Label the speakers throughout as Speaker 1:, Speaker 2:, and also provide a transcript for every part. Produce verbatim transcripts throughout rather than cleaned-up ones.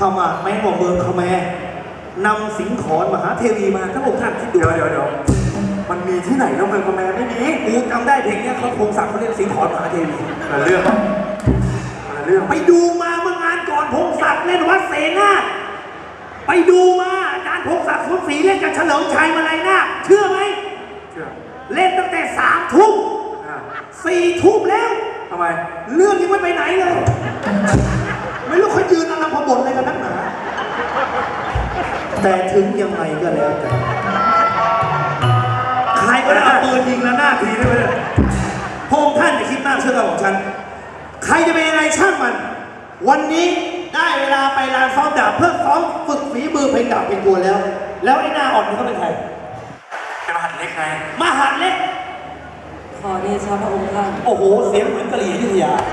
Speaker 1: มาแม้ว่าเมืองขแมรนำสิงขรมหาเทวีมาถ้าพวกท่านคิดดู
Speaker 2: เดี๋ยวเดี๋ยวเดี๋ยวมันมีที่ไหนแล้วเมืองขแมรไม่มี
Speaker 1: กูจำได้เพลงเนี้ยเขาพงศักดิ์เขาเรียกสิงขรมหาเทวี
Speaker 2: แต่เรื่องแต่เรื่อง
Speaker 1: ไปดูมาเมื่องานก่อนพงศักดิ์เล่นวัดเสนาไปดูมาอาจารย์พงศักดิ์สุนทรีเล่นกับเฉลิมชัยมาลัยนาเชื่อไหม
Speaker 2: เชื่อ
Speaker 1: เล่นตั้งแต่สามทุ่มสี่ทุ่มแล้ว
Speaker 2: ทำไม
Speaker 1: เรื่องยังไม่ไปไหนเลยไม่รู้เขายืนอะไรพบทอะไรกันนักหนาแต่ถึงยังไงก็แล้วแต่ใครก็ได้เอาปืนยิงแล้วหน้าทีได้ไหมเนี่ยพงท่านจะคิดมากเชื่อของฉันใครจะเป็นอะไรช่างมันวันนี้ได้เวลาไปลานซ้อมดาบเพื่อซ้อมฝึกฝีมือเพลงดาบเป็นตัวแล้วแล้วไอ้หน้าอ่อนนี่เขาเป็นใคร
Speaker 2: เป็นมหันเล็กไง
Speaker 1: มหันเล็ก
Speaker 3: ขอเดชะพระองค์ท่าน
Speaker 1: โอ้โหเสียงเหมือนกะหรี่อยุธยา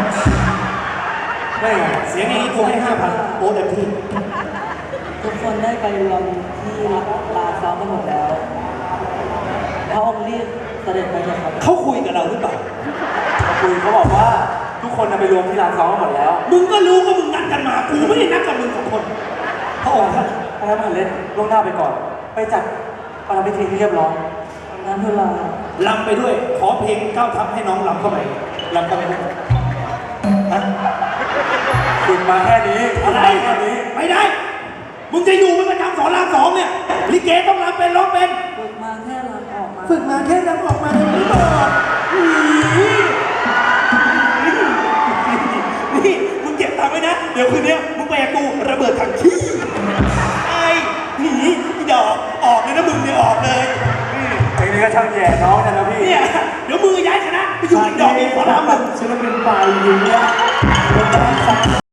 Speaker 1: ได้ไงเสียงอย่างนี้ผมให้ห้าพันโอ้เต็มที่
Speaker 3: ทุกคนได้ไปรวมที่ลานซ้อมกันหมดแล้วพระองค์รีบเสด็จไปเลยครับ
Speaker 1: เขาคุยกับเราหรือเปล่า
Speaker 2: คุยเขาบอกว่าทุกคนไปรวมที่ลานซ้อมกันหมดแล้ว
Speaker 1: มึงก็รู้ว่ามึงนัดกันมากูไม่ได้นัดกับมึงสองคนพระองค์ท่าน
Speaker 2: ไปมหันเล็กล่วงหน้าไปก่อนไปจัดประรำพิธีที่เรียบร้อย
Speaker 3: งั้นทุลา
Speaker 1: ลำไปด้วยขอเพลงก้าวทัพให้น้องลำเข้าไปลำเข้าไปด้วยฮะ
Speaker 2: ฝึกมาแค่นี้
Speaker 1: อะไรแค่นี้ไม่ได้มึงจะอยู่เป็นประจำสอนรามสองเนี่ยลิเกต้องรำเป็นร้องเป็น
Speaker 3: ฝึกมาแค่รำออกมา
Speaker 1: ฝึกมาแค่รำออกมาไม่บอกนี่มึงเก็บตังค์ไว้นะเดี๋ยวคืนนี้มึงไปกับกูระเบิดถังขี้ไอ้หนีดอกออกเลยนะมึงเนี่ยออกเลย
Speaker 2: ไอ้นี่ก็ช่างแย่น้องนะพี่
Speaker 1: เนี่ยเดี๋ยวมือย้ายคณะไปอยู่อีกดอกอีกขอรามมึง
Speaker 2: ฉันเป็นฝ่ายอยู่เนี่ย